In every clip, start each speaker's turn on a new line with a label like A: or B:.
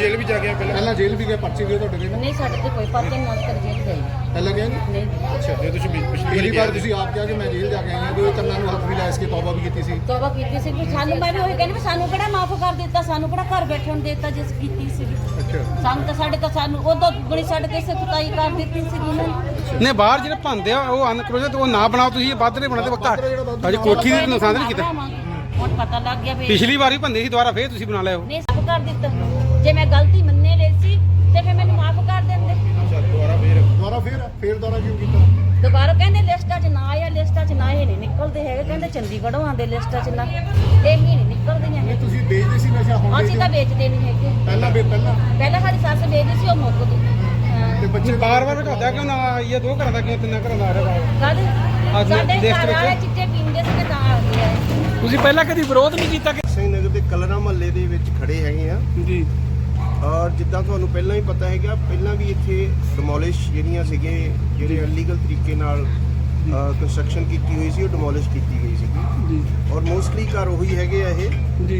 A: Jail भी जा गया पहला जेल भी गया पर्चे गए ਤੁਹਾਡੇ
B: नहीं साढ़े तो कोई पर्चे नहीं कर जेल गई
A: ਪਹਿਲਾਂ ਗਿਆ
B: नहीं
A: ਅੱਛਾ ਤੇ ਤੁਸੀਂ ਪਿਛਲੀ ਵਾਰ ਤੁਸੀਂ ਆਪ ਕਿਹਾ ਕਿ ਮੈਂ ਜੇਲ੍ਹ ਜਾ ਕੇ ਆਈ ਹਾਂ ਤੇ ਕੰਨਾਂ ਨੂੰ ਹੱਥ ਵੀ ਲਾ ਇਸ ਕੇ ਤੌਬਾ ਵੀ ਕੀਤੀ ਸੀ
B: तौबा की सी कि सानू मैं भी वही कहनी सानू किहड़ा माफ कर दिता सानू किहड़ा घर बैठण देता जिस कीती सी
A: ਅੱਛਾ
B: सानू उदों दुगणी साडे ते सख्ताई कर दित्ती सी इन्हां
C: ਨੇ ਬਾਹਰ ਜਿਹੜੇ ਭਾਂਦੇ ਆ ਉਹ ਅਨਕਰੋਜਤ ਉਹ ਨਾ ਬਣਾਓ ਤੁਸੀਂ ਵੱਧ ਨਹੀਂ ਬਣਾਦੇ ਘੱਟ ਅਜੇ ਕੋਠੀ ਦੀ ਨੁਕਸਾਨ ਨਹੀਂ ਕੀਤਾ
B: ਹੁਣ ਪਤਾ ਲੱਗ ਗਿਆ ਵੀ
C: ਪਿਛਲੀ ਵਾਰੀ ਭੰਦੇ ਸੀ ਦੁਬਾਰਾ ਫੇਰ ਤੁਸੀਂ ਬਣਾ ਲਿਆ ਉਹ
B: ਨਹੀਂ ਮਾਫ ਕਰ ਦਿੱਤਾ ਜੇ ਮੈਂ ਗਲਤੀ ਮੰਨੇ ਲਈ ਸੀ ਤੇ ਫਿਰ ਮੈਨੂੰ ਮਾਫ ਕਰ ਦਿੰਦੇ
A: ਅੱਛਾ ਦੁਬਾਰਾ ਫੇਰ ਦੁਬਾਰਾ ਕਿਉਂ ਕੀਤਾ
B: ਦੁਬਾਰਾ ਕਹਿੰਦੇ ਲਿਸਟਾਂ 'ਚ ਨਾ ਆਇਆ ਲਿਸਟਾਂ 'ਚ ਨਾ ਇਹ ਨਹੀਂ ਨਿਕਲਦੇ ਹੈਗੇ ਕਹਿੰਦੇ ਚੰਡੀਗੜ੍ਹੋਂ ਆਉਂਦੇ ਲਿਸਟਾਂ 'ਚ ਨਾ ਇਹ ਵੀ ਨਹੀਂ ਨਿਕਲਦੀਆਂ
A: ਇਹ ਤੁਸੀਂ ਵੇਚਦੇ ਸੀ ਨਸ਼ਾ ਹੁਣ
B: ਅਸੀਂ ਤਾਂ ਵੇਚਦੇ ਨਹੀਂ ਹੈਗੇ ਪਹਿਲਾਂ ਸਾਡੀ ਸੱਸ ਵੇਚਦੀ ਸੀ ਉਹ ਮੁੱਕ ਗਈ
A: ਤੇ ਬੱਚੇ
C: ਬਾਰ-ਬਾਰ ਘਟਦਾ ਕਿਉਂ ਨਾ ਇਹ ਦੋ ਘਰਾਂ ਦਾ ਕਿਉਂ ਤਿੰਨਾਂ ਘਰਾਂ ਦਾ ਆ ਰਿਹਾ
B: ਕਦ ਸਾਡੇ ਘਰ ਵਾਲੇ ਚਿੱਟੇ ਪੀਂਦੇ ਸੀ ਤਾਂ ਆ ਗਿਆ
C: ਤੁਸੀਂ ਪਹਿਲਾਂ ਕਦੀ ਵਿਰੋਧ ਨਹੀਂ ਕੀਤਾ ਕਿ
D: ਸਿੰਘ ਨਗਰ ਦੇ ਕਲਰਾ ਮਹੱਲੇ ਦੇ ਵਿੱਚ ਖੜੇ ਹੈਗੇ ਆ
C: ਜੀ
D: ਔਰ ਜਿੱਦਾਂ ਤੁਹਾਨੂੰ ਪਹਿਲਾਂ ਹੀ ਪਤਾ ਹੈਗਾ ਪਹਿਲਾਂ ਵੀ ਇੱਥੇ ਡਿਮੋਲਿਸ਼ ਜਿਹੜੀਆਂ ਸੀਗੇ ਜਿਹੜੇ ਇਲੀਗਲ ਤਰੀਕੇ ਨਾਲ ਕੰਸਟਰਕਸ਼ਨ ਕੀਤੀ ਹੋਈ ਸੀ ਉਹ ਡਿਮੋਲਿਸ਼ ਕੀਤੀ ਗਈ ਸੀਗੀ
C: ਜੀ
D: ਔਰ ਮੋਸਟਲੀ ਘਰ ਉਹੀ ਹੈਗੇ ਆ ਇਹ
C: ਜੀ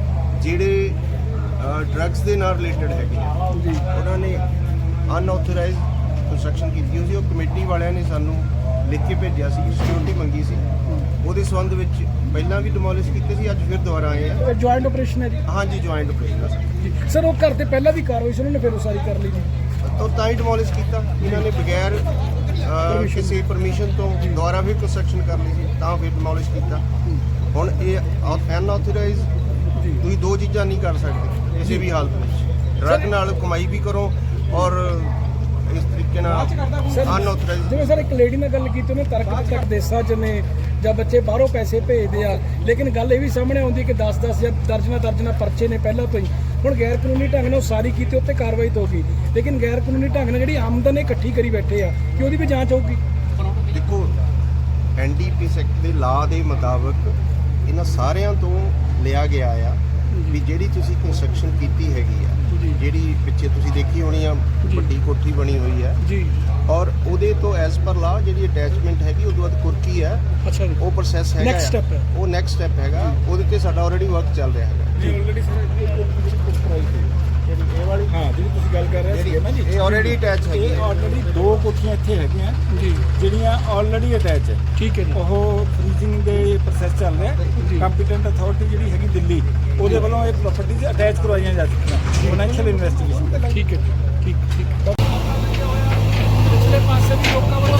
D: ਜਿਹੜੇ ਡਰੱਗਸ ਦੇ ਨਾਲ ਰਿਲੇਟਡ ਹੈਗੇ ਆ
C: ਜੀ
D: ਉਹਨਾਂ ਨੇ ਅਨਆਥੋਰਾਈਜ਼ਡ ਕੰਸਟਰਕਸ਼ਨ ਕੀਤੀ ਹੋਈ ਸੀ ਉਹ ਕਮੇਟੀ ਵਾਲਿਆਂ ਨੇ ਸਾਨੂੰ ਲਿਖ ਕੇ ਭੇਜਿਆ ਸੀ ਸਿਕਿਉਰਿਟੀ ਮੰਗੀ ਸੀ ਉਹਦੇ ਸੰਬੰਧ ਵਿੱਚ ਪਹਿਲਾਂ ਵੀ ਡਿਮੋਲਿਸ਼ ਕੀਤੇ ਸੀ ਅੱਜ ਫਿਰ ਦੁਬਾਰਾ ਆਏ ਆ
C: ਜੁਆਇੰਟ ਆਪਰੇਸ਼ਨ ਹੈ ਜੀ
D: ਹਾਂਜੀ ਜੁਆਇੰਟ ਆਪਰੇਸ਼ਨ ਆ
C: ਸਰ ਉਹ ਘਰ ਤੇ ਪਹਿਲਾਂ ਵੀ ਕਾਰਵਾਈ ਸੀ ਉਹਨਾਂ ਨੇ ਫਿਰ ਉਸਾਰੀ ਕਰ ਲਈ ਜੀ
D: ਤਾਂ ਤਾਂ ਹੀ ਡਿਮੋਲਿਸ਼ ਕੀਤਾ ਇਹਨਾਂ ਨੇ ਬਗੈਰ ਕਿਸੇ ਪਰਮਿਸ਼ਨ ਤੋਂ ਦੁਬਾਰਾ ਵੀ ਕੰਸਟਰਕਸ਼ਨ ਕਰ ਲਈ ਸੀ ਤਾਂ ਫਿਰ ਡਿਮੋਲਿਸ਼ ਕੀਤਾ ਹੁਣ ਇਹ ਅਨਆਥੋਰਾਈਜ਼ਡ ਤੁਸੀਂ ਦੋ ਚੀਜ਼ਾਂ ਨਹੀਂ ਕਰ ਸਕਦੇ ਕਿਸੇ ਵੀ ਹਾਲਤ ਵਿੱਚ ਡਰੱਗ ਨਾਲ ਕਮਾਈ ਵੀ ਕਰੋ ਔਰ ਇਸ ਤਰੀਕੇ ਨਾਲ ਅਨਆਥੋਰਾਈਜ਼ਡ
E: ਜਿਵੇਂ ਸਰ ਇੱਕ ਲੇਡੀ ਨਾਲ ਗੱਲ ਕੀਤੀ ਉਹਨੇ ਤਰਕ ਦਿੱਤਾ ਦੇਸਾਂ 'ਚ ਨੇ ਜਾਂ ਬੱਚੇ ਬਾਹਰੋਂ ਪੈਸੇ ਭੇਜਦੇ ਆ ਲੇਕਿਨ ਗੱਲ ਇਹ ਵੀ ਸਾਹਮਣੇ ਆਉਂਦੀ ਕਿ 10-10 ਜਾਂ ਦਰਜਨਾਂ ਪਰਚੇ ਨੇ ਪਹਿਲਾਂ ਤੋਂ ਹੀ ਹੁਣ ਗੈਰ ਕਾਨੂੰਨੀ ਢੰਗ ਨਾਲ ਉਸਾਰੀ ਕੀਤੀ ਉੱਤੇ ਕਾਰਵਾਈ ਤਾਂ ਹੋਗੀ ਲੇਕਿਨ ਗੈਰ ਕਾਨੂੰਨੀ ਢੰਗ ਨਾਲ ਜਿਹੜੀ ਆਮਦਨ ਇਕੱਠੀ ਕਰੀ ਬੈਠੇ ਆ ਕਿ ਉਹਦੀ ਵੀ ਜਾਂਚ ਹੋਊਗੀ
D: ਦੇਖੋ ਐਨਡੀਪੀਐਸ ਐਕਟ ਦੇ ਲਾਅ ਦੇ ਮੁਤਾਬਕ ਇਹਨਾਂ ਸਾਰਿਆਂ ਤੋਂ ਲਿਆ ਗਿਆ ਆ ਵੀ ਜਿਹੜੀ ਤੁਸੀਂ ਕੰਸਟਰਕਸ਼ਨ ਕੀਤੀ ਹੈਗੀ ਆ ਜਿਹੜੀ ਪਿੱਛੇ ਤੁਸੀਂ ਦੇਖੀ ਹੋਣੀ ਆ ਵੱਡੀ ਕੋਠੀ ਬਣੀ ਹੋਈ ਹੈ
E: ਜੀ
D: ਔਰ ਉਹਦੇ ਤੋਂ ਐਸ ਪਰ ਲਾ ਜਿਹੜੀ ਅਟੈਚਮੈਂਟ ਹੈਗੀ ਉਹਦੇ ਬਾਅਦ ਕੁਰਕੀ ਹੈ
E: ਅੱਛਾ ਜੀ
D: ਉਹ ਪ੍ਰੋਸੈਸ ਹੈਗਾ
E: Next step ਹੈ।
D: ਉਹ ਨੈਕਸਟ ਸਟੈਪ ਹੈਗਾ ਉਹਦੇ ਤੇ ਸਾਡਾ ਆਲਰੇਡੀ ਵਰਕ ਚੱਲ ਰਿਹਾ ਹੈਗਾ
A: ਜੀ ਆਲਰੇਡੀ ਸਰ ਇਹ ਵਾਲੀ ਹਾਂ ਜਿਹੜੀ ਤੁਸੀਂ ਗੱਲ ਕਰ ਰਹੇ ਸੀ ਨਾ ਜੀ
D: ਇਹ ਆਲਰੇਡੀ ਅਟੈਚ ਹੈਗੀ
A: ਇਹ
D: ਹੈ
A: ਆਲਰੇਡੀ ਦੋ ਕੋਠੀਆਂ ਇੱਥੇ ਹੈਗੀਆਂ
E: ਜੀ
A: ਜਿਹੜੀਆਂ ਆਲਰੇਡੀ ਅਟੈਚ ਹੈ
E: ਠੀਕ ਹੈ ਜੀ
A: ਉਹ ਫਰੀਜ਼ਿੰਗ ਦੇ ਪ੍ਰੋਸੈਸ ਚੱਲ ਰਿਹਾ ਕੰਪੀਟੈਂਟ ਅਥਾਰਟੀ ਜਿਹੜੀ ਹੈਗੀ ਦਿੱਲੀ ਉਹਦੇ ਵੱਲੋਂ ਇਹ ਪ੍ਰਾਪਰਟੀਜ਼ ਅਟੈਚ ਕਰਵਾਈਆਂ ਜਾ ਚੁੱਕੀਆਂ ਫਾਈਨੈਂਸ਼ੀਅਲ ਇਨਵੈਸਟੀਗੇਸ਼ਨ
E: ਠੀਕ ਹੈ ਠੀਕ ਪਿਛਲੇ ਪਾਸੇ ਵੀ ਲੋਕਾਂ ਵੱਲੋਂ